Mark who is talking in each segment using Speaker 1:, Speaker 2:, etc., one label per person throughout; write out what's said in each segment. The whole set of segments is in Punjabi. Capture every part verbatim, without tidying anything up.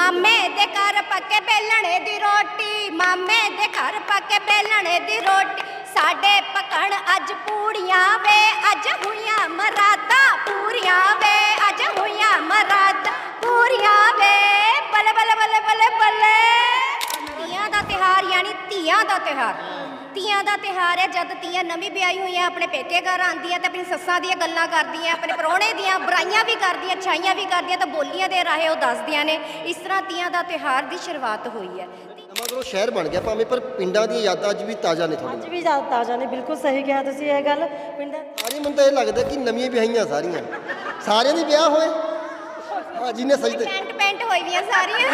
Speaker 1: मामे दे घर पक्के बेलणे दी रोटी, मामे दे घर पक्के बेलणे दी रोटी, साडे पकण अज पूड़ियां वे, अज हुइयां मरादा पूरियां वे, अज हुइयां मरादा पूरियां वे। बल्ले बल्ले बल्ले बल्ले बल्ले। ਧੀਆਂ ਦਾ ਤਿਹਾਰ यानी ਧੀਆਂ ਦਾ ਤਿਹਾਰ। ਧੀਆਂ ਦਾ ਤਿਹਾਰ है जद ਧੀਆਂ नवी ब्याही हुई अपने पेके घर आंदियां ते अपनी सस्सां ਦੀਆਂ ਗੱਲਾਂ ਕਰਦੀਆਂ, अपने ਪ੍ਰਾਹੁਣੇ ਦੀਆਂ ਬੁਰਾਈਆਂ ਵੀ ਕਰਦੀਆਂ, ਅੱਛਾਈਆਂ ਵੀ ਕਰਦੀਆਂ ਤੇ ਬੋਲੀਆਂ ਦੇ ਰਾਹੇ ਉਹ ਦੱਸਦੀਆਂ ਨੇ। ਇਸ ਤਰ੍ਹਾਂ ਧੀਆਂ ਦਾ ਤਿਹਾਰ ਦੀ ਸ਼ੁਰੂਆਤ ਹੋਈ ਹੈ।
Speaker 2: ਨਵਾਂਗਰੋ ਸ਼ਹਿਰ ਬਣ ਗਿਆ ਭਾਵੇਂ, ਪਰ ਪਿੰਡਾਂ ਦੀਆਂ ਯਾਦਾਂ ਅੱਜ ਵੀ ਤਾਜ਼ਾ ਨੇ ਤੁਹਾਨੂੰ?
Speaker 3: ਅੱਜ ਵੀ ਯਾਦ ਤਾਜ਼ਾ ਨੇ, ਬਿਲਕੁਲ ਸਹੀ ਕਿਹਾ ਤੁਸੀਂ ਇਹ ਗੱਲ। ਪਿੰਡਾਂ
Speaker 2: ਸਾਰੇ ਮੈਨੂੰ ਤਾਂ ਇਹ ਲੱਗਦਾ ਕਿ ਨਵੀਆਂ ਵਿਆਹੀਆਂ ਸਾਰੀਆਂ, ਸਾਰਿਆਂ ਦੇ ਵਿਆਹ ਹੋਏ। ਹਾਂ ਜਿਹਨੇ ਸਜਦੇ
Speaker 1: ਪੈਂਟ ਪੈਂਟ ਹੋਈ ਦੀਆਂ ਸਾਰੀਆਂ।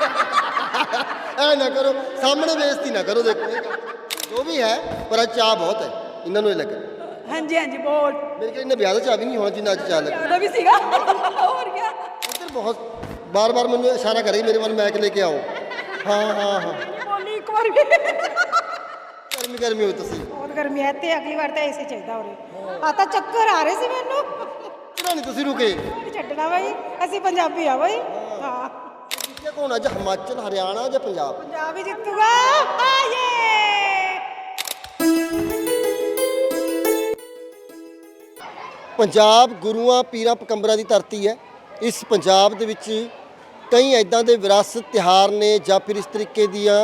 Speaker 2: ਐ ਨਾ ਕਰੋ, ਸਾਹਮਣੇ ਬੇਇੱਜ਼ਤੀ ਨਾ ਕਰੋ। ਦੇਖੋ ਇਹ ਗੱਲ ਜੋ ਵੀ ਹੈ, ਪਰ ਅੱਜ ਚਾਅ ਬਹੁਤ ਹੈ ਇਹਨਾਂ ਨੂੰ, ਇਹ ਲੱਗ
Speaker 3: ਹਾਂਜੀ ਹਾਂਜੀ ਬਹੁਤ
Speaker 2: ਮੇਰੇ ਕੋਲ ਇਹਨਾਂ ਵਿਆਹ ਦਾ ਚਾਅ ਵੀ ਨਹੀਂ ਹੋਣਾ ਜਿੰਨਾ ਅੱਜ ਚਾਅ ਲੱਗਾ।
Speaker 3: ਜ਼ਿਆਦਾ ਵੀ ਸੀਗਾ ਹੋਰ ਕੀ।
Speaker 2: ਇੱਧਰ ਬਹੁਤ ਬਾਰ ਬਾਰ ਮੈਨੂੰ ਇਸ਼ਾਰਾ ਕਰੇ ਮੇਰੇ ਵੱਲ, ਮੈਕ ਲੈ ਕੇ ਆਓ। ਹਾਂ ਹਾਂ ਹਾਂ
Speaker 3: ਬੋਲੀ ਇੱਕ ਵਾਰ ਵੀ।
Speaker 2: ਗਰਮੀ ਗਰਮੀ ਹੋ ਤੁਸੀਂ।
Speaker 3: ਬਹੁਤ ਗਰਮੀ ਹੈ ਤੇ ਅਗਲੀ ਵਾਰ ਤਾਂ ਏਸੀ ਚਾਹੀਦਾ ਉਰੇ। ਆ ਤਾਂ ਚੱਕਰ ਆ ਰਹੇ ਸੀ ਮੈਨੂੰ।
Speaker 2: ਕਿਹੜਾ ਨਹੀਂ ਤੁਸੀਂ ਰੁਕੇ?
Speaker 3: ਨਹੀਂ ਛੱਡਣਾ ਬਾਈ, ਅਸੀਂ ਪੰਜਾਬੀ ਆ ਬਾਈ। ਹਾਂ
Speaker 2: ਜਿੱਤਿਆ ਕੌਣ ਅੱਜ, ਹਿਮਾਚਲ, ਹਰਿਆਣਾ ਜਾਂ ਪੰਜਾਬ?
Speaker 3: ਪੰਜਾਬ ਹੀ ਜਿੱਤੂਗਾ। ਆਏ
Speaker 2: ਪੰਜਾਬ ਗੁਰੂਆਂ ਪੀਰਾਂ ਪਕੰਬਰਾਂ ਦੀ ਧਰਤੀ ਹੈ। ਇਸ ਪੰਜਾਬ ਦੇ ਵਿੱਚ ਕਈ ਐਦਾਂ ਦੇ ਵਿਰਾਸਤ ਤਿਉਹਾਰ ਨੇ ਜਾਂ ਫਿਰ ਇਸ ਤਰੀਕੇ ਦੀਆਂ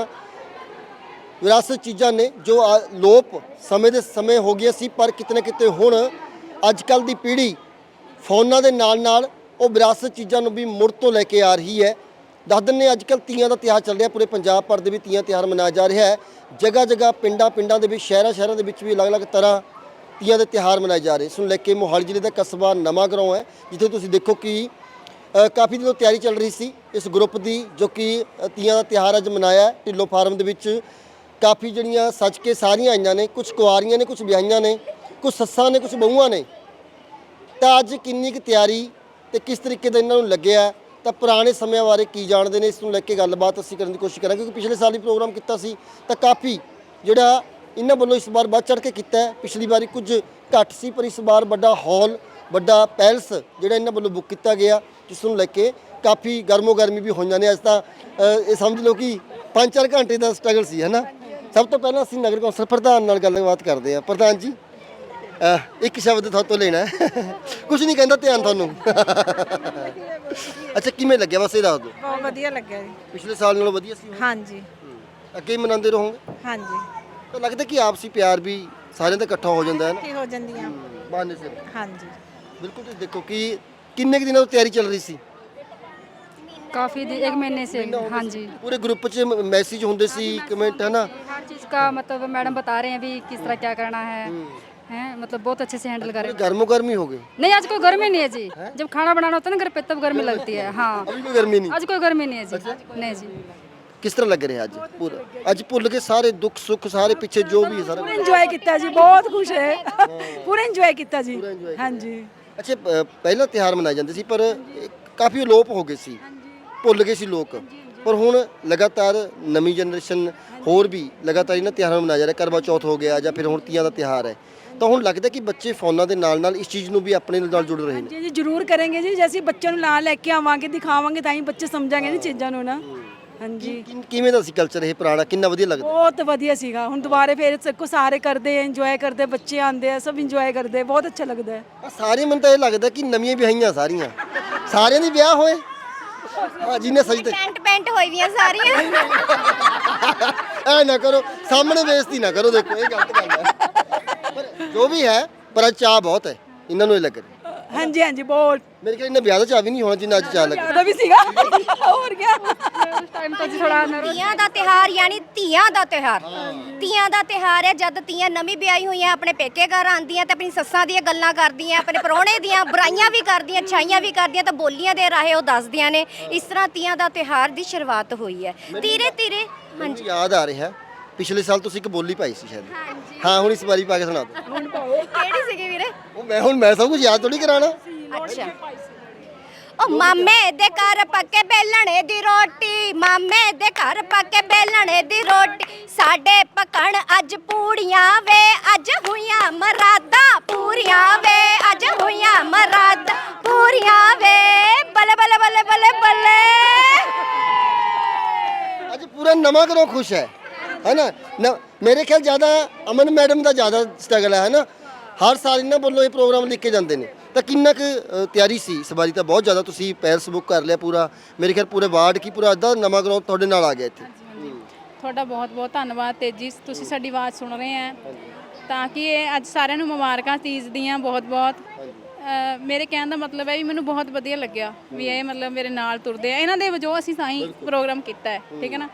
Speaker 2: ਵਿਰਾਸਤ ਚੀਜ਼ਾਂ ਨੇ ਜੋ ਲੋਪ ਸਮੇਂ ਦੇ ਸਮੇਂ ਹੋ ਗਈਆਂ ਸੀ, ਪਰ ਕਿਤੇ ਨਾ ਕਿਤੇ ਹੁਣ ਅੱਜ ਕੱਲ੍ਹ ਦੀ ਪੀੜ੍ਹੀ ਫੋਨਾਂ ਦੇ ਨਾਲ ਨਾਲ ਉਹ ਵਿਰਾਸਤ ਚੀਜ਼ਾਂ ਨੂੰ ਵੀ ਮੁੜ ਤੋਂ ਲੈ ਕੇ ਆ ਰਹੀ ਹੈ। ਦੱਸ ਦਿੰਦੇ ਅੱਜ ਕੱਲ੍ਹ ਤੀਆਂ ਦਾ ਤਿਉਹਾਰ ਚੱਲ ਰਿਹਾ, ਪੂਰੇ ਪੰਜਾਬ ਭਰ ਦੇ ਵੀ ਤੀਆਂ ਤਿਉਹਾਰ ਮਨਾਇਆ ਜਾ ਰਿਹਾ ਹੈ। ਜਗ੍ਹਾ ਜਗ੍ਹਾ ਪਿੰਡਾਂ ਪਿੰਡਾਂ ਦੇ ਵਿੱਚ, ਸ਼ਹਿਰਾਂ ਸ਼ਹਿਰਾਂ ਦੇ ਵਿੱਚ ਵੀ ਅਲੱਗ-ਅਲੱਗ ਤਰ੍ਹਾਂ ਤੀਆਂ ਦੇ ਤਿਉਹਾਰ ਮਨਾਏ ਜਾ ਰਹੇ। ਇਸ ਨੂੰ ਲੈ ਕੇ ਮੋਹਾਲੀ ਜ਼ਿਲ੍ਹੇ ਦਾ ਕਸਬਾ ਨਵਾਂਗਰਾਉਂ ਹੈ, ਜਿੱਥੇ ਤੁਸੀਂ ਦੇਖੋ ਕਿ ਕਾਫੀ ਦਿਨੋਂ ਤਿਆਰੀ ਚੱਲ ਰਹੀ ਸੀ ਇਸ ਗਰੁੱਪ ਦੀ, ਜੋ ਕਿ ਤੀਆਂ ਦਾ ਤਿਉਹਾਰ ਅੱਜ ਮਨਾਇਆ ਢਿੱਲੋਂ ਫਾਰਮ ਦੇ ਵਿੱਚ। ਕਾਫੀ ਜਿਹੜੀਆਂ ਸੱਜ ਕੇ ਸਾਰੀਆਂ ਆਈਆਂ ਨੇ, ਕੁਝ ਕੁਆਰੀਆਂ ਨੇ, ਕੁਝ ਵਿਆਹੀਆਂ ਨੇ, ਕੁਝ ਸੱਸਾਂ ਨੇ, ਕੁਝ ਬਹੂਆਂ ਨੇ। ਤਾਂ ਅੱਜ ਕਿੰਨੀ ਕੁ ਤਿਆਰੀ ਤੇ ਕਿਸ ਤਰੀਕੇ ਦਾ ਇਹਨਾਂ ਨੂੰ ਲੱਗਿਆ, ਤਾਂ ਪੁਰਾਣੇ ਸਮਿਆਂ ਬਾਰੇ ਕੀ ਜਾਣਦੇ ਨੇ, ਇਸ ਨੂੰ ਲੈ ਕੇ ਗੱਲਬਾਤ ਅਸੀਂ ਕਰਨ ਦੀ ਕੋਸ਼ਿਸ਼ ਕਰਾਂਗੇ। ਕਿਉਂਕਿ ਪਿਛਲੇ ਸਾਲ ਵੀ ਪ੍ਰੋਗਰਾਮ ਕੀਤਾ ਸੀ ਤਾਂ ਕਾਫੀ ਜਿਹੜਾ ਇਹਨਾਂ ਵੱਲੋਂ ਇਸ ਵਾਰ ਵੱਧ ਚੜ੍ਹ ਕੇ ਕੀਤਾ ਹੈ। ਪਿਛਲੀ ਵਾਰੀ ਕੁਝ ਘੱਟ ਸੀ, ਪਰ ਇਸ ਵਾਰ ਵੱਡਾ ਹਾਲ, ਵੱਡਾ ਪੈਲਸ ਜਿਹੜਾ ਇਹਨਾਂ ਵੱਲੋਂ ਬੁੱਕ ਕੀਤਾ ਗਿਆ, ਜਿਸ ਨੂੰ ਲੈ ਕੇ ਕਾਫੀ ਗਰਮੋ ਗਰਮੀ ਵੀ ਹੋਈਆਂ ਨੇ। ਅੱਜ ਤਾਂ ਇਹ ਸਮਝ ਲਓ ਕਿ ਪੰਜ ਚਾਰ ਘੰਟੇ ਦਾ ਸਟਰਗਲ ਸੀ, ਹੈ ਨਾ। ਸਭ ਤੋਂ ਪਹਿਲਾਂ ਅਸੀਂ ਨਗਰ ਕੌਂਸਲ ਪ੍ਰਧਾਨ ਨਾਲ ਗੱਲਬਾਤ ਕਰਦੇ ਹਾਂ। ਪ੍ਰਧਾਨ ਜੀ, ਇੱਕ ਸ਼ਬਦ ਤੁਹਾਡੇ ਤੋਂ ਲੈਣਾ ਹੈ। ਕੁਝ ਨਹੀਂ ਕਹਿੰਦਾ, ਧਿਆਨ ਤੁਹਾਨੂੰ। ਅੱਛਾ, ਕਿਵੇਂ ਲੱਗਿਆ ਬਸ ਇਹ ਦੱਸ ਦਿਓ।
Speaker 3: ਬਹੁਤ ਵਧੀਆ ਲੱਗਿਆ ਜੀ।
Speaker 2: ਪਿਛਲੇ ਸਾਲ ਨਾਲੋਂ ਵਧੀਆ ਸੀ?
Speaker 3: ਹਾਂਜੀ
Speaker 2: ਅੱਗੇ ਹੀ ਮਨਾਉਂਦੇ ਰਹੋਗੇ?
Speaker 3: ਹਾਂਜੀ
Speaker 2: ਤਾਂ ਲੱਗਦਾ ਕਿ ਆਪਸੀ ਪਿਆਰ ਵੀ ਸਾਰਿਆਂ ਦਾ ਇਕੱਠਾ ਹੋ ਜਾਂਦਾ ਹੈ ਨਾ,
Speaker 3: ਕੀ ਹੋ ਜਾਂਦੀਆਂ।
Speaker 2: ਬਹਾਨੇ ਸਿਰ।
Speaker 3: ਹਾਂਜੀ
Speaker 2: ਬਿਲਕੁਲ। ਤੁਸੀਂ ਦੇਖੋ ਕਿ ਕਿੰਨੇ ਕੁ ਦਿਨਾਂ ਤੋਂ ਤਿਆਰੀ ਚੱਲ ਰਹੀ ਸੀ?
Speaker 4: काफ़ी एक महीने से। हाँ जी,
Speaker 2: ਪੂਰੇ ਗਰੁੱਪ 'ਚ ਮੈਸੇਜ ਹੁੰਦੇ ਸੀ, ਕਮੈਂਟ, है ना।
Speaker 4: हर चीज़ का मतलब मैडम बता रहे हैं भी किस तरह क्या करना है, हैं मतलब बहुत अच्छे से हैंडल कर रहे हैं।
Speaker 2: गर्मो गर्मी हो गई?
Speaker 4: नहीं, आज कोई गर्मी नहीं है जी। जब खाना बनाना होता है ना घर पे तब गर्मी लगती है। हाँ,
Speaker 2: अभी कोई गर्मी नहीं?
Speaker 4: आज कोई गर्मी नहीं है जी। नहीं जी।
Speaker 2: किस तरह लग रहे हैं आज? पूरा आज भुल के सारे दुख सुख सारे पीछे जो भी है सारा
Speaker 3: ਇੰਜੋਏ ਕੀਤਾ ਜੀ, ਬਹੁਤ ਖੁਸ਼ ਹੈ। ਪੂਰਾ ਇੰਜੋਏ ਕੀਤਾ ਜੀ। ਹਾਂਜੀ।
Speaker 2: ਅੱਛਾ, ਪਹਿਲਾਂ ਤਿਉਹਾਰ ਮਨਾਏ ਜਾਂਦੇ ਸੀ ਪਰ ਕਾਫੀ ਅਲੋਪ ਹੋ ਗਏ ਸੀ, ਭੁੱਲ ਗਏ ਸੀ ਲੋਕ। ਪਰ ਹੁਣ ਲਗਾਤਾਰ ਨਵੀਂ ਜਨਰੇਸ਼ਨ ਹੋਰ ਵੀ ਲਗਾਤਾਰ ਇਹਨਾਂ ਤਿਉਹਾਰਾਂ ਨੂੰ ਮਨਾਇਆ ਜਾ ਰਿਹਾ। ਕਰਵਾ ਚੌਥ ਹੋ ਗਿਆ ਜਾਂ ਫਿਰ ਹੁਣ ਤੀਆਂ ਦਾ ਤਿਉਹਾਰ ਹੈ, ਤਾਂ ਹੁਣ ਲੱਗਦਾ ਕਿ ਬੱਚੇ ਫੋਨਾਂ ਦੇ ਨਾਲ ਨਾਲ ਇਸ ਚੀਜ਼ ਨੂੰ ਵੀ ਆਪਣੇ ਨਾਲ ਜੁੜ ਰਹੇ ਨੇ।
Speaker 3: ਜੀ ਜੀ ਜ਼ਰੂਰ ਕਰਾਂਗੇ ਜੀ, ਜੇ ਅਸੀਂ ਬੱਚਿਆਂ ਨੂੰ ਨਾਲ ਲੈ ਕੇ ਆਵਾਂਗੇ, ਦਿਖਾਵਾਂਗੇ, ਤਾਂ ਹੀ ਬੱਚੇ ਸਮਝਾਂਗੇ ਨਾ ਚੀਜ਼ਾਂ ਨੂੰ ਨਾ। ਹਾਂਜੀ।
Speaker 2: ਕਿ- ਕਿਵੇਂ ਦਾ ਸੀ ਕਲਚਰ ਇਹ ਪੁਰਾਣਾ, ਕਿੰਨਾ ਵਧੀਆ ਲੱਗਦਾ?
Speaker 3: ਬਹੁਤ ਵਧੀਆ ਸੀਗਾ। ਹੁਣ ਦੁਬਾਰੇ ਫੇਰ ਸਭ ਸਾਰੇ ਕਰਦੇ, ਇੰਜੋਏ ਕਰਦੇ, ਬੱਚੇ ਆਉਂਦੇ ਆ, ਸਭ ਇੰਜੋਏ ਕਰਦੇ, ਬਹੁਤ ਅੱਛਾ ਲੱਗਦਾ ਹੈ।
Speaker 2: ਆਹ ਸਾਰੇ ਮੈਨੂੰ ਤਾਂ ਇਹ ਲੱਗਦਾ ਕਿ ਨਵੀਆਂ ਵਿਆਹੀਆਂ ਸਾਰੀਆਂ, ਸਾਰਿਆਂ ਦੇ ਵਿਆਹ ਹੋਏ। ਹਾਂ ਜਿਹਨੇ ਸਜਦੇ
Speaker 1: ਪੈਂਟ ਪੈਂਟ ਹੋਈ ਦੀਆਂ ਸਾਰੀਆਂ।
Speaker 2: ਐ ਨਾ ਕਰੋ, ਸਾਹਮਣੇ ਬੇਇੱਜ਼ਤੀ ਨਾ ਕਰੋ। ਦੇਖੋ ਇਹ ਗਲਤ ਗੱਲ ਹੈ, ਪਰ ਜੋ ਵੀ ਹੈ, ਪਰ ਅੱਜ ਚਾਅ ਬਹੁਤ ਹੈ ਇਹਨਾਂ ਨੂੰ, ਇਹ ਲੱਗ ਰਿਹਾ।
Speaker 3: ਹਾਂਜੀ ਹਾਂਜੀ ਬਹੁਤ
Speaker 2: ਮੇਰੇ ਕੋਲ ਇਹਨਾਂ ਵਿਆਹ ਦਾ ਚਾਅ ਵੀ ਨਹੀਂ ਹੋਣਾ ਜਿੰਨਾ ਅੱਜ ਚਾਅ ਲੱਗਾ।
Speaker 3: ਜ਼ਿਆਦਾ ਵੀ ਸੀਗਾ ਹੋਰ ਕੀ।
Speaker 4: उस टाइम तो जी थोड़ा
Speaker 1: ਧੀਆਂ ਦਾ ਤਿਹਾਰ यानी ਧੀਆਂ ਦਾ ਤਿਹਾਰ। ਧੀਆਂ ਦਾ ਤਿਹਾਰ ਹੈ ਜਦ ਧੀਆਂ ਨਵੀਂ ਵਿਆਹੀ ਹੋਈਆਂ ਆਪਣੇ ਪੇਕੇ ਘਰ ਆਂਦੀਆਂ ਤੇ ਆਪਣੀ ਸੱਸਾਂ ਦੀਆਂ ਗੱਲਾਂ ਕਰਦੀਆਂ, ਆਪਣੇ ਪ੍ਰਾਹੁਣੇ ਦੀਆਂ ਬੁਰਾਈਆਂ ਵੀ ਕਰਦੀਆਂ, ਅੱਛਾਈਆਂ ਵੀ ਕਰਦੀਆਂ ਤੇ ਬੋਲੀਆਂ ਦੇ ਰਾਹੇ ਉਹ ਦੱਸਦੀਆਂ ਨੇ। ਇਸ ਤਰ੍ਹਾਂ ਧੀਆਂ ਦਾ ਤਿਹਾਰ ਦੀ ਸ਼ੁਰੂਆਤ ਹੋਈ ਹੈ ਧੀਰੇ ਧੀਰੇ।
Speaker 2: ਹਾਂਜੀ, ਯਾਦ ਆ ਰਿਹਾ ਪਿਛਲੇ ਸਾਲ ਤੁਸੀਂ ਇੱਕ ਬੋਲੀ ਪਾਈ ਸੀ ਸ਼ਾਇਦ। ਹਾਂ, ਹੁਣ ਇਸ ਵਾਰੀ ਪਾ ਕੇ ਸੁਣਾ ਦਿਓ।
Speaker 3: ਹੁਣ ਪਾਓ।
Speaker 1: ਕਿਹੜੀ ਸੀਗੀ ਵੀਰੇ?
Speaker 2: ਉਹ ਮੈਂ ਹੁਣ ਮੈਂ ਸਭ ਕੁਝ ਯਾਦ ਥੋੜੀ ਕਰਾਣਾ।
Speaker 1: ਅੱਛਾ। ओ मामे दे घर पक्के बेलणे दी रोटी, मामे दे घर पक्के बेलणे दी रोटी, साडे पकण अज पूड़ियां वे, अज हुइयां मरादा पूरियां वे, अज हुइयां मरादा पूरियां वे। बल्ले बल्ले बल्ले बल्ले बल्ले।
Speaker 2: ਨਵਾਂ ਘਰੋਂ ਖੁਸ਼ ਹੈ ਹੈ ਨਾ ਨ- ਮੇਰੇ ਖਿਆਲ ਜ਼ਿਆਦਾ ਅਮਨ ਮੈਡਮ ਦਾ ਜ਼ਿਆਦਾ ਸਟਰਗਲ ਹੈ ਹੈ ਨਾ ਹਰ ਸਾਲ ਇਹਨਾਂ ਵੱਲੋਂ ਇਹ ਪ੍ਰੋਗਰਾਮ ਲਿਖ ਕੇ ਜਾਂਦੇ ਨੇ ਤਾਂ ਕਿੰਨਾ ਕੁ ਅ, ਤਿਆਰੀ ਸੀ ਇਸ ਵਾਰੀ ਤਾਂ ਬਹੁਤ ਜ਼ਿਆਦਾ ਤੁਸੀਂ ਪੈਲਸ ਬੁੱਕ ਕਰ ਲਿਆ ਪੂਰਾ ਮੇਰੇ ਖਿਆਲ ਪੂਰੇ ਵਾਰਡ ਕੀ ਪੂਰਾ ਅੱਧਾ ਨਵਾਂ ਗਰਾਊਂਡ ਤੁਹਾਡੇ ਨਾਲ ਆ ਗਿਆ ਇੱਥੇ
Speaker 5: ਤੁਹਾਡਾ ਬਹੁਤ ਬਹੁਤ ਧੰਨਵਾਦ ਤੇਜੀ ਤੁਸੀਂ ਸਾਡੀ ਆਵਾਜ਼ ਸੁਣ ਰਹੇ ਆ ਤਾਂ ਕਿ ਇਹ ਅੱਜ ਸਾਰਿਆਂ ਨੂੰ ਮੁਬਾਰਕਾਂ ਤੀਜ ਦੀਆਂ ਬਹੁਤ ਬਹੁਤ ਅ, ਮੇਰੇ ਕਹਿਣ ਦਾ ਮਤਲਬ ਹੈ ਵੀ ਮੈਨੂੰ ਬਹੁਤ ਵਧੀਆ ਲੱਗਿਆ ਵੀ ਇਹ ਮਤਲਬ ਮੇਰੇ ਨਾਲ ਤੁਰਦੇ ਆ ਇਹਨਾਂ ਦੇ ਵਜੋਂ ਅਸੀਂ ਤਾਂ ਹੀ ਪ੍ਰੋਗਰਾਮ ਕੀਤਾ ਹੈ ਠੀਕ ਹੈ ਨਾ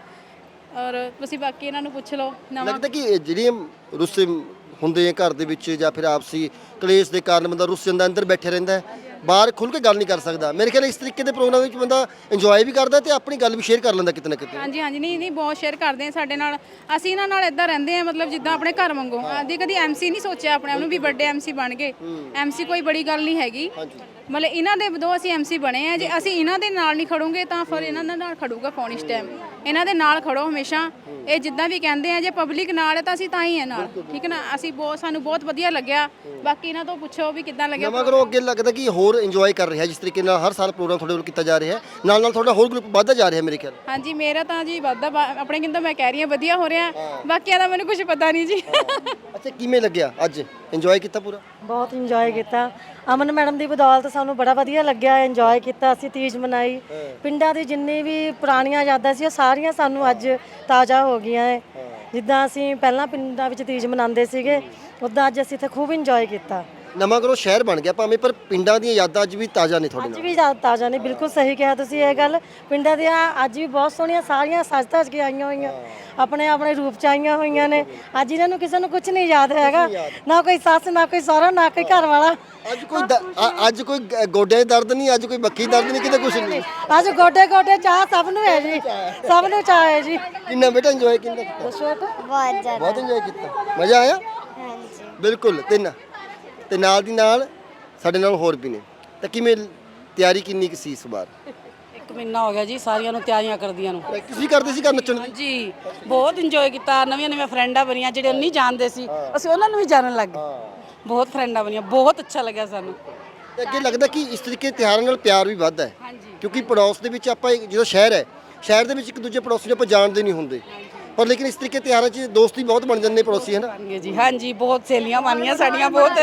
Speaker 5: ਔਰ ਤੁਸੀਂ ਬਾਕੀ ਇਹਨਾਂ ਨੂੰ ਪੁੱਛ ਲਓ ਨਵਾਂ
Speaker 2: ਲੱਗਦਾ ਕਿ ਇਹ ਜਿਹੜੀਆਂ ਰੁੱਸੇ ਹੁੰਦੇ ਆ ਘਰ ਦੇ ਵਿੱਚ ਜਾਂ ਫਿਰ ਆਪਸੀ ਕਲੇਸ਼ ਦੇ ਕਾਰਨ ਬੰਦਾ ਰੁੱਸ ਜਾਂਦਾ ਅੰਦਰ ਬੈਠੇ ਰਹਿੰਦਾ ਹੈ ਬਾਹਰ ਖੁੱਲ ਕੇ ਗੱਲ ਨਹੀਂ ਕਰ ਸਕਦਾ ਮੇਰੇ ਖਿਆਲ ਇਸ ਤਰੀਕੇ ਦੇ ਪ੍ਰੋਗਰਾਮ ਵਿੱਚ ਬੰਦਾ ਇੰਜੋਏ ਵੀ ਕਰਦਾ ਤੇ ਆਪਣੀ ਗੱਲ ਵੀ ਸ਼ੇਅਰ ਕਰ ਲੈਂਦਾ ਕਿਤੇ ਨਾ ਕਿਤੇ
Speaker 5: ਹਾਂਜੀ ਹਾਂਜੀ ਨਹੀਂ ਨਹੀਂ ਬਹੁਤ ਸ਼ੇਅਰ ਕਰਦੇ ਆ ਸਾਡੇ ਨਾਲ ਅਸੀਂ ਇਹਨਾਂ ਨਾਲ ਇਦਾਂ ਰਹਿੰਦੇ ਆ ਮਤਲਬ ਜਿੱਦਾਂ ਆਪਣੇ ਘਰ ਵਾਂਗੂ ਆਦੀ ਕਦੀ ਐਮਸੀ ਨਹੀਂ ਸੋਚਿਆ ਆਪਣੇ ਆਪ ਨੂੰ ਵੀ ਵੱਡੇ ਐਮਸੀ ਬਣ ਗਏ ਐਮਸੀ ਕੋਈ ਬੜੀ ਗੱਲ ਨਹੀਂ ਹੈਗੀ ਮਤਲਬ ਇਹਨਾਂ ਦੇ ਵਜੋਂ ਅਸੀਂ ਐਮਸੀ ਬਣੇ ਆ ਜੇ ਅਸੀਂ ਇਹਨਾਂ ਦੇ ਨਾਲ ਨਹੀਂ ਖੜੋਗੇ ਤਾਂ ਫਿਰ ਇਹਨਾਂ ਦੇ ਨਾਲ ਖੜੂਗਾ ਕੌਣ ਇਸ ਟਾਈਮ ਇਹਨਾਂ ਦੇ ਨਾਲ ਖੜੋ ਹਮੇਸ਼ਾ ਇਹ ਜਿੱਦਾਂ ਵੀ ਕਹਿੰਦੇ ਆ ਜੇ ਪਬਲਿਕ ਨਾਲ ਹੈ ਤਾਂ ਅਸੀਂ ਤਾਂ ਹੀ ਹੈ ਨਾਲ ਠੀਕ ਹੈ ਨਾ ਅਸੀਂ ਬਹੁਤ ਸਾਨੂੰ ਬਹੁਤ ਵਧੀਆ ਲੱਗਿਆ ਬਾਕੀ ਇਹਨਾਂ ਤੋਂ ਪੁੱਛੋ ਵੀ ਕਿੱਦਾਂ ਲੱਗਿਆ
Speaker 2: ਨਵਾਂ ਗਰੋ ਅੱਗੇ ਲੱਗਦਾ ਕਿ ਹੋਰ ਇੰਜੋਏ ਕਰ ਰਿਹਾ ਜਿਸ ਤਰੀਕੇ ਨਾਲ ਹਰ ਸਾਲ ਪ੍ਰੋਗਰਾਮ ਤੁਹਾਡੇ ਵੱਲ ਕੀਤਾ ਜਾ ਰਿਹਾ ਹੈ ਨਾਲ ਨਾਲ ਤੁਹਾਡਾ ਹੋਰ ਗਰੁੱਪ ਵੱਧਦਾ ਜਾ ਰਿਹਾ ਮੇਰੇ ਖਿਆਲ
Speaker 5: ਹਾਂਜੀ ਮੇਰਾ ਤਾਂ ਜੀ ਵਾਧਾ ਬਾ- ਆਪਣੇ ਕਿੰਦਾ ਮੈਂ ਕਹਿ ਰਹੀ ਹਾਂ ਵਧੀਆ ਹੋ ਰਿਹਾ ਬਾਕੀਆਂ ਦਾ ਮੈਨੂੰ ਕੁਝ ਪਤਾ ਨਹੀਂ ਜੀ
Speaker 2: ਅੱਛਾ ਕਿਵੇਂ ਲੱਗਿਆ ਅੱਜ ਇੰਜੋਏ ਕੀਤਾ ਪੂਰਾ
Speaker 6: ਬਹੁਤ ਇੰਜੋਏ ਕੀਤਾ ਅਮਨ ਮੈਡਮ ਦੀ ਬਦੌਲਤ ਸਾਨੂੰ ਬੜਾ ਵਧੀਆ ਲੱਗਿਆ ਇੰਜੋਏ ਕੀਤਾ ਅਸੀਂ ਤੀਜ ਮਨਾਈ ਪਿੰਡਾਂ ਦੀ ਜਿੰਨੀ ਵੀ ਪੁਰਾਣੀਆਂ ਯਾਦਾਂ ਸੀ ਉਹ ਸਾਰੀਆਂ ਸਾਨੂੰ ਅੱਜ ਤਾਜ਼ਾ ਹੋ ਗਈਆਂ ਹੈ ਜਿੱਦਾਂ ਅਸੀਂ ਪਹਿਲਾਂ ਪਿੰਡਾਂ ਵਿੱਚ ਤੀਜ ਮਨਾਉਂਦੇ ਸੀਗੇ ਉੱਦਾਂ ਅੱਜ ਅਸੀਂ ਇੱਥੇ ਖੂਬ ਇੰਜੋਏ ਕੀਤਾ
Speaker 2: ਨਵਾਂ ਗਰੋ ਸ਼ਹਿਰ ਬਣ ਗਿਆ ਭਾਵੇਂ ਪਰ ਪਿੰਡਾਂ ਦੀਆਂ ਯਾਦਾਂ ਅੱਜ ਵੀ ਤਾਜ਼ਾ ਨੇ ਤੁਹਾਡੇ
Speaker 6: ਅੱਜ
Speaker 2: ਨਾਲ
Speaker 6: ਵੀ ਜ਼ਿਆਦਾ ਤਾਜ਼ਾ ਨੇ ਬਿਲਕੁਲ ਸਹੀ ਕਿਹਾ ਤੁਸੀਂ ਇਹ ਗੱਲ ਪਿੰਡਾਂ ਦੀਆਂ ਅੱਜ ਵੀ ਬਹੁਤ ਸੋਹਣੀਆਂ ਸਾਰੀਆਂ ਸੱਜ ਧੱਜ ਕੇ ਆਈਆਂ ਹੋਈਆਂ ਆਪਣੇ ਆਪਣੇ ਰੂਪ ਚ ਆਈਆਂ ਹੋਈਆਂ ਨੇ ਅੱਜ ਇਹਨਾਂ ਨੂੰ ਕਿਸੇ ਨੂੰ ਕੁਝ ਨਹੀਂ ਯਾਦ ਹੈਗਾ ਨਾ ਕੋਈ ਸੱਸ ਨਾ ਕੋਈ ਸਹੁਰਾ ਨਾ ਕੋਈ ਘਰ ਵਾਲਾ
Speaker 2: ਅੱਜ ਕੋਈ ਦ- ਅ- ਅੱਜ ਕੋਈ ਗ- ਗੋਡਿਆਂ 'ਚ ਦਰਦ ਨਹੀਂ ਅੱਜ ਕੋਈ ਬੱਖੀ ਦਰਦ ਨਹੀਂ ਕਿਤੇ ਕੁਝ ਨਹੀਂ
Speaker 6: ਅੱਜ ਗੋਡੇ ਗੋਡੇ ਚਾਹ ਸਭ ਨੂੰ ਹੈ ਜੀ ਸਭ ਨੂੰ ਚਾਹ ਹੈ ਜੀ
Speaker 2: ਕਿੰਨਾ ਬੇਟਾ ਇੰਜੋਏ ਕਿੰਨਾ ਕੀਤਾ
Speaker 1: ਬਹੁਤ ਜ਼ਿਆਦਾ
Speaker 2: ਬਹੁਤ ਇੰਜੋਏ ਕੀਤਾ ਮਜ਼ਾ ਆਇਆ
Speaker 1: ਹਾਂਜੀ
Speaker 2: ਬਿਲਕੁਲ ਤੇ ਨਾ ਤੇ ਨਾਲ ਦੀ ਨਾਲ ਸਾਡੇ ਨਾਲ ਹੋਰ ਵੀ ਨੇ ਤਾਂ ਕਿਵੇਂ ਤਿਆਰੀ ਕਿੰਨੀ ਕੁ ਸੀ ਇਸ ਵਾਰ
Speaker 7: ਇੱਕ ਮਹੀਨਾ ਹੋ ਗਿਆ ਜੀ ਸਾਰੀਆਂ ਨੂੰ ਤਿਆਰੀਆਂ ਕਰਦੀਆਂ ਨੂੰ
Speaker 2: ਪ੍ਰੈਕਟਿਸ ਵੀ ਕਰਦੇ ਸੀ ਘਰ ਨੱਚਣ ਦੀ
Speaker 7: ਜੀ ਬਹੁਤ ਇੰਜੋਏ ਕੀਤਾ ਨਵੀਆਂ ਨਵੀਆਂ ਫਰੈਂਡਾਂ ਬਣੀਆਂ ਜਿਹੜੇ ਨਹੀਂ ਜਾਣਦੇ ਸੀ ਅਸੀਂ ਉਹਨਾਂ ਨੂੰ ਵੀ ਜਾਣਨ ਲੱਗ ਗਏ ਬਹੁਤ ਫਰੈਂਡਾਂ ਬਣੀਆਂ ਬਹੁਤ ਅੱਛਾ ਲੱਗਿਆ ਸਾਨੂੰ
Speaker 2: ਤੇ ਅੱਗੇ ਲੱਗਦਾ ਕਿ ਇਸ ਤਰੀਕੇ ਦੇ ਤਿਉਹਾਰਾਂ ਨਾਲ ਪਿਆਰ ਵੀ ਵੱਧਦਾ ਹੈ ਕਿਉਂਕਿ ਪੜੋਸ ਦੇ ਵਿੱਚ ਆਪਾਂ ਇੱਕ- ਜਦੋਂ ਸ਼ਹਿਰ ਹੈ ਸ਼ਹਿਰ ਦੇ ਵਿੱਚ ਇੱਕ ਦੂਜੇ ਪੜੋਸੀ ਨੂੰ ਆਪਾਂ ਜਾਣਦੇ ਨਹੀਂ ਹੁੰਦੇ ਪਰ ਲੇਕਿਨ ਇਸ ਤਰੀਕੇ ਤਿਉਹਾਰਾਂ 'ਚ ਦੋਸਤੀ ਬਹੁਤ ਬਣ ਜਾਂਦੇ ਨੇ ਪੜੋਸੀ ਹੈ ਨਾ
Speaker 7: ਬਣ ਗਏ ਜੀ ਹਾਂਜੀ ਬਹੁਤ ਸਹੇਲੀਆਂ ਬਣੀਆਂ ਸਾਡੀਆਂ ਬਹੁਤ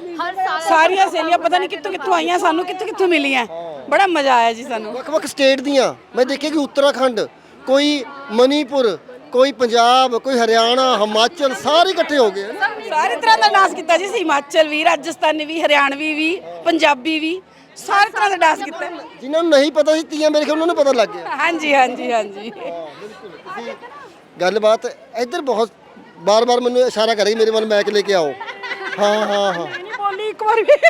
Speaker 7: ਸਾਰੀਆਂ ਸਹੇਲੀਆਂ ਪਤਾ ਨਹੀਂ ਕਿੱਥੋਂ ਕਿੱਥੋਂ ਆਈਆਂ ਸਾਨੂੰ ਕਿੱਥੋਂ ਕਿੱਥੋਂ ਮਿਲੀਆਂ ਬੜਾ ਮਜ਼ਾ ਆਇਆ ਜੀ ਸਾਨੂੰ
Speaker 2: ਵੱਖ-ਵੱਖ ਸਟੇਟ ਦੀਆਂ ਮੈਂ ਦੇਖਿਆ ਕਿ ਉੱਤਰਾਖੰਡ ਕੋਈ ਮਨੀਪੁਰ ਕੋਈ ਪੰਜਾਬ ਕੋਈ ਹਰਿਆਣਾ ਹਿਮਾਚਲ ਸਾਰੇ ਇਕੱਠੇ ਹੋ ਗਏ ਹੈ
Speaker 7: ਸਾਰੇ ਤਰ੍ਹਾਂ ਦਾ ਡਾਂਸ ਕੀਤਾ ਜੀ ਅਸੀਂ ਹਿਮਾਚਲ ਵੀ ਰਾਜਸਥਾਨੀ ਵੀ ਹਰਿਆਣਵੀ ਵੀ ਪੰਜਾਬੀ ਵੀ ਸਾਰੇ ਤਰ੍ਹਾਂ ਦਾ ਡਾਂਸ ਕੀਤਾ
Speaker 2: ਜਿਨ੍ਹਾਂ ਨੂੰ ਨਹੀਂ ਪਤਾ ਸੀ ਤੀਆਂ ਮੇਰੇ ਖਿਆਲ ਉਹਨਾਂ ਨੂੰ ਪਤਾ ਲੱਗ ਗਿਆ
Speaker 7: ਹਾਂਜੀ ਹਾਂਜੀ ਹਾਂਜੀ
Speaker 2: ਗੱਲਬਾਤ ਇੱਧਰ ਬਹੁਤ ਬਾਰ-ਬਾਰ ਮੈਨੂੰ ਇਸ਼ਾਰਾ ਕਰ ਰਹੀ ਮੇਰੇ ਵੱਲ ਮੈਕ ਲੈ ਕੇ ਆਓ ਹਾਂ ਹਾਂ ਹਾਂ
Speaker 3: ਨਹੀਂ ਬੋਲੀ ਇੱਕ ਵਾਰ ਵੀ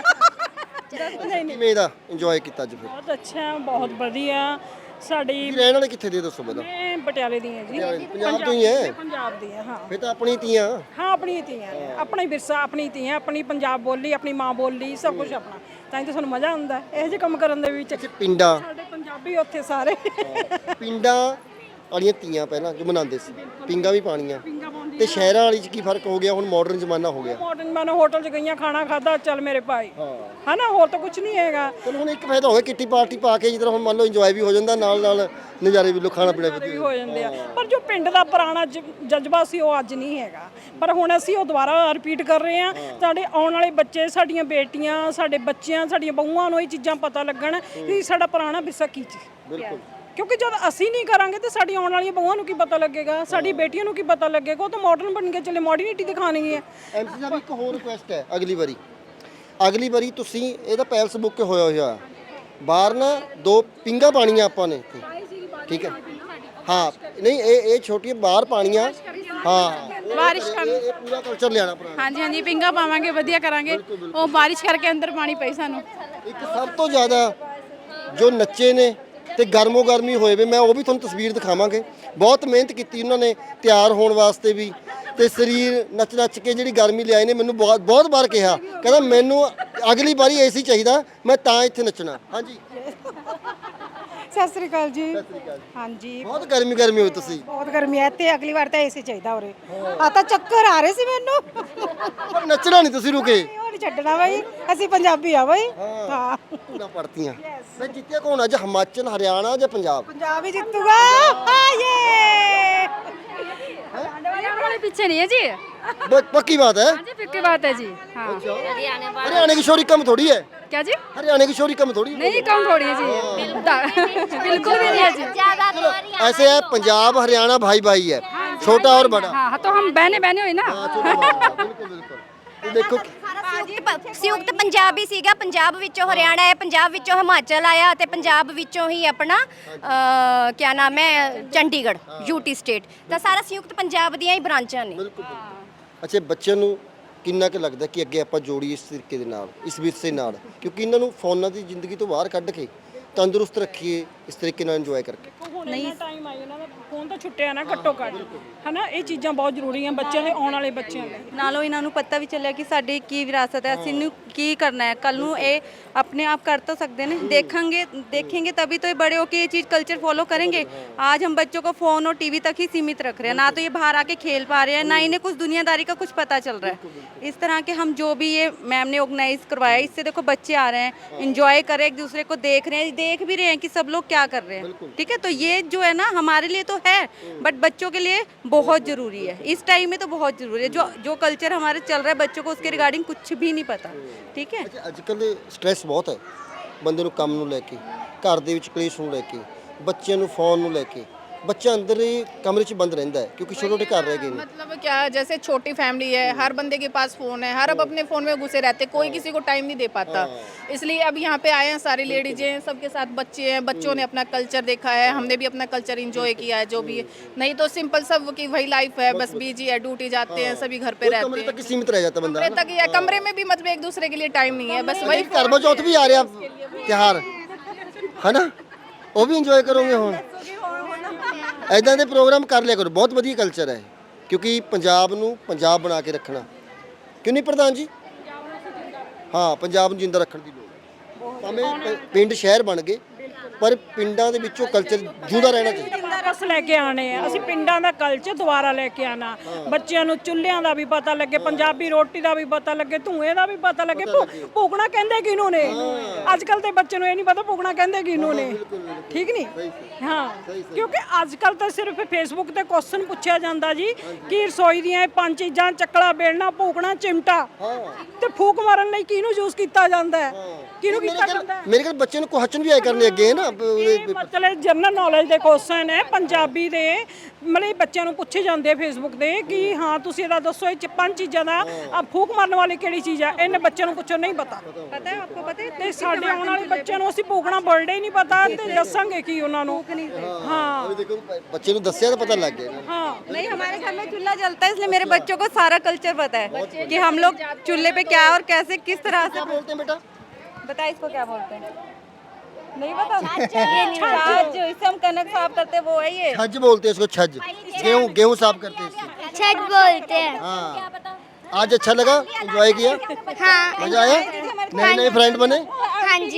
Speaker 2: ਕਿਵੇਂ ਦਾ ਇੰਜੋਏ ਕੀਤਾ ਅੱਜ ਫਿਰ
Speaker 3: ਬਹੁਤ ਅੱਛਾ ਬਹੁਤ ਵਧੀਆ ਸਾਡੀ
Speaker 2: ਤੁਸੀਂ ਰਹਿਣ ਵਾਲੇ ਕਿੱਥੇ ਦੇ ਦੱਸੋ ਪਹਿਲਾਂ
Speaker 3: ਮੈਂ ਪਟਿਆਲੇ ਦੀ ਹਾਂ ਜੀ
Speaker 2: ਪੰਜਾਬ ਤੋਂ ਹੀ ਹੈ
Speaker 3: ਪੰਜਾਬ ਦੀ ਹਾਂ ਹਾਂ
Speaker 2: ਫਿਰ ਤਾਂ ਆਪਣੀ ਤੀਆਂ
Speaker 3: ਹਾਂ ਆਪਣੀ ਧੀਆਂ ਨੇ ਆਪਣਾ ਹੀ ਵਿਰਸਾ ਆਪਣੀ ਧੀਆਂ ਆਪਣੀ ਪੰਜਾਬ ਬੋਲੀ ਆਪਣੀ ਮਾਂ ਬੋਲੀ ਸਭ ਕੁਝ ਆਪਣਾ ਤਾਂ ਹੀ ਤਾਂ ਸਾਨੂੰ ਮਜ਼ਾ ਆਉਂਦਾ ਇਹੋ ਜਿਹੇ ਕੰਮ ਕਰਨ ਦੇ ਵਿੱਚ
Speaker 2: ਪਿੰਡਾਂ
Speaker 3: ਸਾਡੇ ਪੰਜਾਬੀ ਉੱਥੇ ਸਾਰੇ
Speaker 2: ਪਿੰਡਾਂ ਵਾਲੀਆਂ ਤੀਆਂ ਪਹਿਲਾਂ ਜੋ ਮਨਾਉਂਦੇ ਸੀ ਪਿੰਗਾਂ ਵੀ ਪਾਣੀਆਂ ਤੇ ਸ਼ਹਿਰਾਂ ਵਾਲੀ 'ਚ ਕੀ ਫਰਕ ਹੋ ਗਿਆ ਹੁਣ ਮਾਡਰਨ ਜ਼ਮਾਨਾ ਹੋ ਗਿਆ
Speaker 3: ਮਾਡਰਨ ਮਾਨੋ ਹੋਟਲ 'ਚ ਗਈਆਂ ਖਾਣਾ ਖਾਦਾ ਚੱਲ ਮੇਰੇ ਭਾਈ ਹਾਂ ਨਾ ਹੋਰ ਤਾਂ ਕੁਝ ਨਹੀਂ ਹੈਗਾ
Speaker 2: ਚਲੋ ਹੁਣ ਇੱਕ ਫਾਇਦਾ ਹੋ ਗਿਆ ਕਿੱਟੀ ਪਾਰਟੀ ਪਾ ਕੇ ਜਿੱਦਾਂ ਹੁਣ ਮੰਨ ਲਓ ਇੰਜੋਏ ਵੀ ਹੋ ਜਾਂਦਾ ਨਾਲ ਨਾਲ ਨਜ਼ਾਰੇ ਵੀ ਲੋ ਖਾਣਾ ਪੀਣਾ
Speaker 3: ਵੀ
Speaker 2: ਵੀ
Speaker 3: ਹੋ ਜਾਂਦੇ ਆ ਪਰ ਜੋ ਪਿੰਡ ਦਾ ਪੁਰਾਣਾ ਜ- ਜਜ਼ਬਾ ਸੀ ਉਹ ਅੱਜ ਨਹੀਂ ਹੈਗਾ ਪਰ ਹੁਣ ਅਸੀਂ ਉਹ ਦੁਬਾਰਾ ਰਿਪੀਟ ਕਰ ਰਹੇ ਹਾਂ ਸਾਡੇ ਆਉਣ ਵਾਲੇ ਬੱਚੇ ਸਾਡੀਆਂ ਬੇਟੀਆਂ ਸਾਡੇ ਬੱਚਿਆਂ ਸਾਡੀਆਂ ਬਹੂਆਂ ਨੂੰ ਇਹ ਚੀਜ਼ਾਂ ਪਤਾ ਲੱਗਣ ਕਿ ਸਾਡਾ ਪੁਰਾਣਾ ਵਿਰਸਾ ਕੀ ਸੀ
Speaker 2: ਬਿਲਕੁਲ
Speaker 3: ਕਿਉਂਕਿ ਜਦ ਅਸੀਂ ਨਹੀਂ ਕਰਾਂਗੇ ਤੇ ਸਾਡੀ ਆਉਣ ਵਾਲੀਆਂ ਬਹੂਆਂ ਨੂੰ ਕੀ ਪਤਾ ਲੱਗੇਗਾ ਸਾਡੀ ਬੇਟੀਆਂ ਨੂੰ ਕੀ ਪਤਾ ਲੱਗੇਗਾ ਉਹ ਤਾਂ ਮਾਡਰਨ ਬਣ ਕੇ ਚੱਲੇ ਮਾਡਰਨਿਟੀ ਦਿਖਾਣੀ ਹੈ
Speaker 2: ਐਮਸੀ ਸਾਹਿਬ ਇੱਕ ਹੋਰ ਰਿਕੁਐਸਟ ਹੈ ਅਗਲੀ ਵਾਰੀ ਅਗਲੀ ਵਾਰੀ ਤੁਸੀਂ ਇਹਦਾ ਪੈਲਸ ਬੁੱਕ ਹੋਇਆ ਹੋਇਆ ਬਾਹਰ ਨਾ ਦੋ ਪਿੰਗਾ ਪਾਣੀਆਂ ਆਪਾਂ ਨੇ ਇੱਥੇ। ਠੀਕ ਹੈ ਹਾਂ ਨਹੀਂ ਇਹ ਇਹ ਛੋਟੀਆਂ ਬਾਹਰ ਪਾਣੀਆਂ ਹਾਂ
Speaker 5: ਬਾਰਿਸ਼
Speaker 2: ਇਹ ਇਹ ਪੂਰਾ ਕਲਚਰ ਲਿਆਣਾ ਪੁਰਾਣਾ
Speaker 5: ਹਾਂਜੀ ਹਾਂਜੀ ਪਿੰਗਾ ਪਾਵਾਂਗੇ ਵਧੀਆ ਕਰਾਂਗੇ ਉਹ ਬਾਰਿਸ਼ ਕਰਕੇ ਅੰਦਰ ਪਾਣੀ ਪਈ ਸਾਨੂੰ
Speaker 2: ਇੱਕ ਸਭ ਤੋਂ ਜ਼ਿਆਦਾ ਜੋ ਨੱਚੇ ਨੇ ਤੇ ਗਰਮੋ ਗਰਮੀ ਹੋਏ ਵੇ ਮੈਂ ਉਹ ਵੀ ਤੁਹਾਨੂੰ ਤਸਵੀਰ ਦਿਖਾਵਾਂਗੇ ਬਹੁਤ ਮਿਹਨਤ ਕੀਤੀ ਉਹਨਾਂ ਨੇ ਤਿਆਰ ਹੋਣ ਵਾਸਤੇ ਵੀ ਤੇ ਸਰੀਰ ਨੱਚ ਨੱਚ ਕੇ ਜਿਹੜੀ ਗਰਮੀ ਲਿਆਏ ਨੇ ਮੈਨੂੰ ਬਹੁਤ ਬਹੁਤ ਵਾਰ ਕਿਹਾ ਕਹਿੰਦਾ ਮੈਨੂੰ ਅਗਲੀ ਵਾਰੀ ਏਸੀ ਚਾਹੀਦਾ ਮੈਂ ਤਾਂ ਇੱਥੇ ਨੱਚਣਾ ਹਾਂਜੀ
Speaker 8: ਸਤਿ ਸ੍ਰੀ ਅਕਾਲ ਜੀ ਹਾਂਜੀ
Speaker 2: ਬਹੁਤ ਗਰਮੀ ਗਰਮੀ ਹੋਈ ਤੁਸੀਂ
Speaker 8: ਬਹੁਤ ਗਰਮੀ ਹੈ ਤੇ ਅਗਲੀ ਵਾਰ ਤਾਂ ਏਸੀ ਚਾਹੀਦਾ ਉਰੇ ਆ ਤਾਂ ਚੱਕਰ ਆ ਰਹੇ ਸੀ ਮੈਨੂੰ
Speaker 2: ਪਰ ਨੱਚਣਾ ਨਹੀਂ ਤੁਸੀਂ ਰੁਕੇ
Speaker 8: ਉਹ ਨਹੀਂ ਛੱਡਣਾ ਬਾਈ ਅਸੀਂ ਪੰਜਾਬੀ ਆ ਬਾਈ ਹਾਂ
Speaker 2: ਪੂਰਾ ਪੜਤੀਆਂ ਮੈਂ ਜਿੱਤਿਆ ਕੌਣ ਅੱਜ ਹਿਮਾਚਲ ਹਰਿਆਣਾ ਜਾਂ ਪੰਜਾਬ
Speaker 8: ਪੰਜਾਬ ਹੀ ਜਿੱਤੂਗਾ ਹਾਏ
Speaker 4: कोई पीछे नहीं है जी।
Speaker 2: ब- पक्की बात है।
Speaker 4: हाँ जी पक्की बात है जी। हाँ
Speaker 2: हरियाणा की शोरी कम थोड़ी है,
Speaker 4: क्या जी?
Speaker 2: हरियाणा की शोरी कम थोड़ी है।
Speaker 4: नहीं कम थोड़ी है जी, बिल्कुल भी नहीं है जी।
Speaker 1: ਜ਼ਿਆਦਾ
Speaker 2: चलो, ऐसे है पंजाब हरियाणा भाई भाई है, छोटा और बड़ा।
Speaker 4: हाँ तो हम बहने बहने हुई ना।
Speaker 2: हाँ, छोटा बड़ा, बिल्कुल बिल्कुल। तो देखो
Speaker 1: ਸੰਯੁਕਤ ਸੰਯੁਕਤ ਪੰਜਾਬ ਹੀ ਸੀਗਾ, ਪੰਜਾਬ ਵਿੱਚੋਂ ਹਰਿਆਣਾ ਹੈ, ਪੰਜਾਬ ਵਿੱਚੋਂ ਹਿਮਾਚਲ ਆਇਆ ਤੇ ਪੰਜਾਬ ਵਿੱਚੋਂ ਹੀ ਆਪਣਾ ਅਹ, ਕਿਆ ਨਾਮ ਹੈ ਚੰਡੀਗੜ੍ਹ ਯੂਟੀ ਸਟੇਟ। ਤਾਂ ਸਾਰਾ ਸੰਯੁਕਤ ਪੰਜਾਬ ਦੀਆਂ ਹੀ ਬ੍ਰਾਂਚਾਂ ਨੇ।
Speaker 2: ਅੱਛਾ, ਬੱਚਿਆਂ ਨੂੰ ਕਿੰਨਾ ਕੁ ਲੱਗਦਾ ਕਿ ਅੱਗੇ ਆਪਾਂ ਜੋੜੀਏ ਇਸ ਤਰੀਕੇ ਦੇ ਨਾਲ, ਇਸ ਵਿਰਸੇ ਨਾਲ, ਕਿਉਂਕਿ ਇਹਨਾਂ ਨੂੰ ਫੋਨਾਂ ਦੀ ਜ਼ਿੰਦਗੀ ਤੋਂ ਬਾਹਰ ਕੱਢ ਕੇ ਤੰਦਰੁਸਤ ਰੱਖੀਏ ਇਸ ਤਰੀਕੇ ਨਾਲ ਇੰਜੋਏ ਕਰਕੇ।
Speaker 3: ਨਹੀਂ ਟਾਈਮ ਆਈ ਇਹਨਾਂ ਦਾ ਫੋਨ ਤਾਂ ਛੁੱਟਿਆ ਨਾ ਘੱਟੋ ਘੱਟ, ਹਨਾ ਇਹ ਚੀਜ਼ਾਂ ਬਹੁਤ ਜ਼ਰੂਰੀ ਆ ਬੱਚਿਆਂ ਦੇ, ਆਉਣ ਵਾਲੇ ਬੱਚਿਆਂ ਲਈ।
Speaker 9: ਨਾਲੋਂ ਇਹਨਾਂ ਨੂੰ ਪਤਾ ਵੀ ਚੱਲਿਆ ਕਿ ਸਾਡੀ ਕੀ ਵਿਰਾਸਤ ਹੈ, ਅਸੀਂ ਨੂੰ ਕੀ ਕਰਨਾ ਹੈ, ਕੱਲ ਨੂੰ ਇਹ ਆਪਣੇ ਆਪ कर तो सकते हैं, देखेंगे देखेंगे तभी तो ये बड़े होकर ये चीज़ कल्चर फॉलो करेंगे। आज हम बच्चों को फ़ोन और टीवी तक ही सीमित रख रहे हैं, ना तो ये बाहर आके खेल पा रहे हैं, ना इन्हें कुछ दुनियादारी का कुछ पता चल रहा है। इस तरह के हम जो भी ये मैम ने ऑर्गेनाइज करवाया, इससे देखो बच्चे आ रहे हैं, इंजॉय कर रहे हैं, एक दूसरे को देख रहे हैं, देख भी रहे हैं कि सब लोग क्या कर रहे हैं। ठीक है, तो ये जो है ना हमारे लिए तो है, बट बच्चों के लिए बहुत ज़रूरी है, इस टाइम में तो बहुत ज़रूरी है। जो जो कल्चर हमारे चल रहा है बच्चों को उसके रिगार्डिंग कुछ भी नहीं पता। ठीक है,
Speaker 2: ਅੱਜ ਕੱਲ੍ਹ ਸਟ੍ਰੈਸ ਬਹੁਤ ਹੈ ਬੰਦੇ ਨੂੰ, ਕੰਮ ਨੂੰ ਲੈ ਕੇ, ਘਰ ਦੇ ਵਿੱਚ ਕਲੇਸ਼ ਨੂੰ ਲੈ ਕੇ, ਬੱਚਿਆਂ ਨੂੰ ਫੋਨ ਨੂੰ ਲੈ ਕੇ। ਬੱਚਾ ਅੰਦਰ ਹੀ ਕਮਰੇ 'ਚ ਬੰਦ ਰਹਿੰਦਾ ਹੈ ਕਿਉਂਕਿ ਛੋਟੇ ਛੋਟੇ ਘਰ ਰਹਿ ਗਏ ਨੇ।
Speaker 5: मतलब क्या, जैसे छोटी फैमिली है, हर बंदे के पास फ़ोन है, हर अब अपने फ़ोन में घुसे रहते, कोई किसी को टाइम नहीं दे पाता। इसलिए अब यहाँ पे आए हैं, सारी लेडीज हैं, सबके साथ बच्चे हैं, बच्चों ने अपना कल्चर देखा है, हमने भी अपना कल्चर इंजॉय किया है जो भी है। नहीं तो सिंपल सब की वही लाइफ है, बस बिजी है, ड्यूटी जाते हैं, सभी घर पे
Speaker 2: ਉਹ
Speaker 5: रहते
Speaker 2: ਕਮਰੇ
Speaker 5: हैं।
Speaker 2: ਤੱਕ ਹੀ ਸੀਮਿਤ ਰਹਿ ਜਾਂਦਾ ਬੰਦਾ।
Speaker 5: कमरे तक या कमरे में भी मतलब एक दूसरे के लिए टाइम नहीं है, बस वही
Speaker 2: ਕਰਵਾ ਚੌਥ ਵੀ ਆ ਰਿਹਾ ਤਿਉਹਾਰ ਹੈ ਨਾ, ਉਹ ਵੀ ਇੰਜੋਏ ਕਰੋਗੇ ਹੁਣ। ਐਦਾਂ ਦੇ ਪ੍ਰੋਗਰਾਮ ਕਰ ਲਿਆ ਕਰੋ, ਬਹੁਤ ਵਧੀਆ ਕਲਚਰ ਹੈ, ਕਿਉਂਕਿ ਪੰਜਾਬ ਨੂੰ ਪੰਜਾਬ ਬਣਾ ਕੇ ਰੱਖਣਾ। ਕਿਉਂ ਨਹੀਂ ਪ੍ਰਧਾਨ ਜੀ? ਹਾਂ, ਪੰਜਾਬ ਨੂੰ ਜਿੰਦਾ ਰੱਖਣ ਦੀ ਲੋੜ ਹੈ। ਭਾਵੇਂ ਪ- ਪਿੰਡ ਸ਼ਹਿਰ ਬਣ ਗਏ, ਪਰ ਪਿੰਡਾਂ ਦੇ ਵਿੱਚੋਂ ਕਲਚਰ ਜਿਉਂਦਾ ਰਹਿਣਾ ਚਾਹੀਦਾ।
Speaker 3: ਵਾਪਸ ਲੈ ਕੇ ਆਣੇ ਆ ਅਸੀਂ, ਪਿੰਡਾਂ ਦਾ ਕਲਚਰ ਦੁਬਾਰਾ ਲੈ ਕੇ ਆਣਾ। ਬੱਚਿਆਂ ਨੂੰ ਚੁੱਲ੍ਹਿਆਂ ਦਾ ਵੀ ਪਤਾ ਲੱਗੇ, ਪੰਜਾਬੀ ਰੋਟੀ ਦਾ ਵੀ ਪਤਾ ਲੱਗੇ, ਧੂਏ ਦਾ ਵੀ ਪਤਾ ਲੱਗੇ, ਭੂ- ਭੂਕਣਾ ਕਹਿੰਦੇ ਕਿਹਨੂੰ ਨੇ। ਅੱਜ ਕੱਲ ਦੇ ਬੱਚੇ ਨੂੰ ਇਹ ਨਹੀਂ ਪਤਾ ਭੂਕਣਾ ਕਹਿੰਦੇ ਕਿਹਨੂੰ ਨੇ। ਠੀਕ ਨਹੀਂ? ਹਾਂ, ਕਿਉਂਕਿ ਅੱਜ ਕੱਲ ਤਾਂ ਸਿਰਫ ਫੇਸਬੁੱਕ ਤੇ ਕੁਐਸਚਨ ਪੁੱਛਿਆ ਜਾਂਦਾ ਜੀ ਕਿ ਰਸੋਈ ਦੀਆਂ ਇਹ ਪੰਜ ਚੀਜ਼ਾਂ, ਚੱਕਲਾ, ਬੇਲਣਾ, ਭੂਕਣਾ, ਚਿਮਟਾ, ਤੇ ਫੂਕ ਮਾਰਨ ਲਈ ਕਿਹਨੂੰ ਯੂਜ਼ ਕੀਤਾ ਜਾਂਦਾ ਹੈ, ਕਿਹਨੂੰ ਕੀਤਾ ਜਾਂਦਾ ਹੈ।
Speaker 2: ਮੇਰੇ ਕੋਲ ਬੱਚੇ ਨੂੰ ਕੁਐਸਚਨ ਵੀ ਆਏ ਕਰਨੇ ਅੱਗੇ ਹੈ ਨਾ।
Speaker 3: ਇਹ ਮਤਲਬ ਜਨਰਲ ਨੌਲੇਜ ਦੇ ਕੁਐਸਚਨ ਹੈ ਪੰਜਾਬੀ ਦੇ, ਮਤਲਬ ਬੱਚਿਆਂ ਨੂੰ ਪੁੱਛੇ ਜਾਂਦੇ ਆ ਫੇਸਬੁੱਕ ਤੇ ਕਿ ਹਾਂ ਤੁਸੀਂ ਇਹਦਾ ਦੱਸੋ ਇਹ ਚ ਪੰਜ ਚੀਜ਼ਾਂ ਦਾ ਆ ਫੂਕ ਮਾਰਨ ਵਾਲੀ ਕਿਹੜੀ ਚੀਜ਼ ਆ। ਇਹਨੇ ਬੱਚਿਆਂ ਨੂੰ ਪੁੱਛੋ, ਨਹੀਂ ਪਤਾ।
Speaker 9: पता है आपको, पता है
Speaker 3: ਤੇ ਸਾਡੇ ਆਉਣ ਵਾਲੇ ਬੱਚਿਆਂ ਨੂੰ ਅਸੀਂ ਭੂਕਣਾ ਬਰਥਡੇ ਹੀ ਨਹੀਂ ਪਤਾ ਤੇ ਦੱਸਾਂਗੇ ਕੀ ਉਹਨਾਂ ਨੂੰ। ਹਾਂ
Speaker 2: ਦੇਖੋ ਬੱਚੇ ਨੂੰ ਦੱਸਿਆ ਤਾਂ ਪਤਾ ਲੱਗ ਗਿਆ ਨਾ।
Speaker 3: ਹਾਂ
Speaker 9: नहीं, हमारे घर में चूल्हा जलता है, इसलिए मेरे बच्चों को सारा कल्चर पता है कि हम लोग चूल्हे पे क्या और कैसे किस तरह से।
Speaker 2: क्या बोलते हैं बेटा?
Speaker 9: बता इसको क्या बोलते हैं? नहीं पता। छाछ, इससे हम कनक साफ करते हैं, वो है ये।
Speaker 2: छज बोलते हैं इसको, छज। गेहूं गेहूं साफ करते हैं इससे।
Speaker 1: ਛੱਡ बोलते हैं।
Speaker 2: हाँ, आज अच्छा लगा, एंजॉय किया,
Speaker 1: हाँ
Speaker 2: मजा आया, नए नए फ्रेंड बने।
Speaker 1: हाँ जी।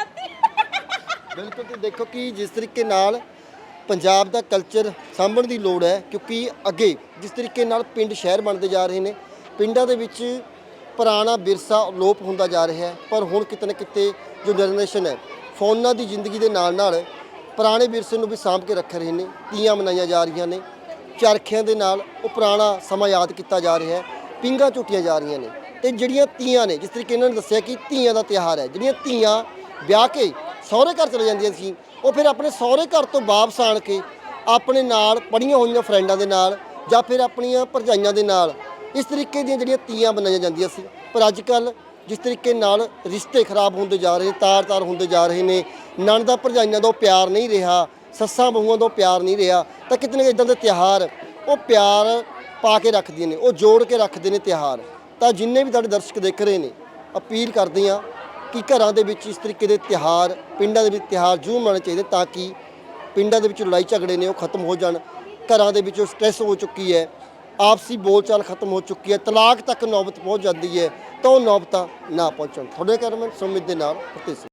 Speaker 2: ਬਿਲਕੁਲ। ਤੇ ਦੇਖੋ ਕਿ ਜਿਸ ਤਰੀਕੇ ਨਾਲ ਪੰਜਾਬ ਦਾ ਕਲਚਰ ਸਾਂਭਣ ਦੀ ਲੋੜ ਹੈ, ਕਿਉਂਕਿ ਅੱਗੇ ਜਿਸ ਤਰੀਕੇ ਨਾਲ ਪਿੰਡ ਸ਼ਹਿਰ ਬਣਦੇ ਜਾ ਰਹੇ ਨੇ, ਪਿੰਡਾਂ ਦੇ ਵਿੱਚ ਪੁਰਾਣਾ ਵਿਰਸਾ ਅਲੋਪ ਹੁੰਦਾ ਜਾ ਰਿਹਾ ਹੈ। ਪਰ ਹੁਣ ਕਿਤੇ ਨਾ ਕਿਤੇ ਜੋ ਜਨਰੇਸ਼ਨ ਹੈ, ਫੋਨਾਂ ਦੀ ਜ਼ਿੰਦਗੀ ਦੇ ਨਾਲ ਨਾਲ ਪੁਰਾਣੇ ਵਿਰਸੇ ਨੂੰ ਵੀ ਸਾਂਭ ਕੇ ਰੱਖ ਰਹੇ ਨੇ। ਤੀਆਂ ਮਨਾਈਆਂ ਜਾ ਰਹੀਆਂ ਨੇ, ਚਰਖਿਆਂ ਦੇ ਨਾਲ ਉਹ ਪੁਰਾਣਾ ਸਮਾਂ ਯਾਦ ਕੀਤਾ ਜਾ ਰਿਹਾ ਹੈ, ਪੀਂਘਾਂ ਝੂਟੀਆਂ ਜਾ ਰਹੀਆਂ ਨੇ। ਤੇ ਜਿਹੜੀਆਂ ਤੀਆਂ ਨੇ, ਜਿਸ ਤਰੀਕੇ ਇਹਨਾਂ ਨੇ ਦੱਸਿਆ ਕਿ ਧੀਆਂ ਦਾ ਤਿਉਹਾਰ ਹੈ, ਜਿਹੜੀਆਂ ਧੀਆਂ ਵਿਆਹ ਕੇ ਸਹੁਰੇ ਘਰ ਚਲੇ ਜਾਂਦੀਆਂ ਸੀ, ਉਹ ਫਿਰ ਆਪਣੇ ਸਹੁਰੇ ਘਰ ਤੋਂ ਵਾਪਸ ਆਣ ਕੇ ਆਪਣੇ ਨਾਲ ਪੜ੍ਹੀਆਂ ਹੋਈਆਂ ਫਰੈਂਡਾਂ ਦੇ ਨਾਲ ਜਾਂ ਫਿਰ ਆਪਣੀਆਂ ਭਰਜਾਈਆਂ ਦੇ ਨਾਲ ਇਸ ਤਰੀਕੇ ਦੀਆਂ ਜਿਹੜੀਆਂ ਤੀਆਂ ਬਣਾਈਆਂ ਜਾਂਦੀਆਂ ਸੀ। ਪਰ ਅੱਜ ਕੱਲ੍ਹ ਜਿਸ ਤਰੀਕੇ ਨਾਲ ਰਿਸ਼ਤੇ ਖਰਾਬ ਹੁੰਦੇ ਜਾ ਰਹੇ ਨੇ, ਤਾਰ-ਤਾਰ ਹੁੰਦੇ ਜਾ ਰਹੇ ਨੇ, ਨਣਦਾਂ ਭਰਜਾਈਆਂ ਦਾ ਉਹ ਪਿਆਰ ਨਹੀਂ ਰਿਹਾ, ਸੱਸਾਂ ਬਹੂਆਂ ਦਾ ਉਹ ਪਿਆਰ ਨਹੀਂ ਰਿਹਾ, ਤਾਂ ਕਿਤੇ ਨਾ ਕਿਤੇ ਇੱਦਾਂ ਦੇ ਤਿਉਹਾਰ ਉਹ ਪਿਆਰ ਪਾ ਕੇ ਰੱਖਦੀਆਂ ਨੇ, ਉਹ ਜੋੜ ਕੇ ਰੱਖਦੇ ਨੇ ਤਿਉਹਾਰ। ਤਾਂ ਜਿੰਨੇ ਵੀ ਸਾਡੇ ਦਰਸ਼ਕ ਦੇਖ ਰਹੇ ਨੇ, ਅਪੀਲ ਕਰਦੇ ਹਾਂ ਕਿ ਘਰਾਂ ਦੇ ਵਿੱਚ ਇਸ ਤਰੀਕੇ ਦੇ ਤਿਉਹਾਰ, ਪਿੰਡਾਂ ਦੇ ਵਿੱਚ ਤਿਉਹਾਰ ਜ਼ਰੂਰ ਮਨਾਉਣੇ ਚਾਹੀਦੇ, ਤਾਂ ਕਿ ਪਿੰਡਾਂ ਦੇ ਵਿੱਚ ਲੜਾਈ ਝਗੜੇ ਨੇ ਉਹ ਖਤਮ ਹੋ ਜਾਣ, ਘਰਾਂ ਦੇ ਵਿੱਚੋਂ ਸਟ੍ਰੈਸ ਹੋ ਚੁੱਕੀ ਹੈ, ਆਪਸੀ ਬੋਲਚਾਲ ਖਤਮ ਹੋ ਚੁੱਕੀ ਹੈ, ਤਲਾਕ ਤੱਕ ਨੌਬਤ ਪਹੁੰਚ ਜਾਂਦੀ ਹੈ, ਤਾਂ ਉਹ ਨੌਬਤਾਂ ਨਾ ਪਹੁੰਚਣ। ਤੁਹਾਡੇ ਕੈਮਰਾਮੈਨ ਸੁਮਿਤ ਦੇ ਨਾਲ ਫਤਿਹ ਸਿੰਘ।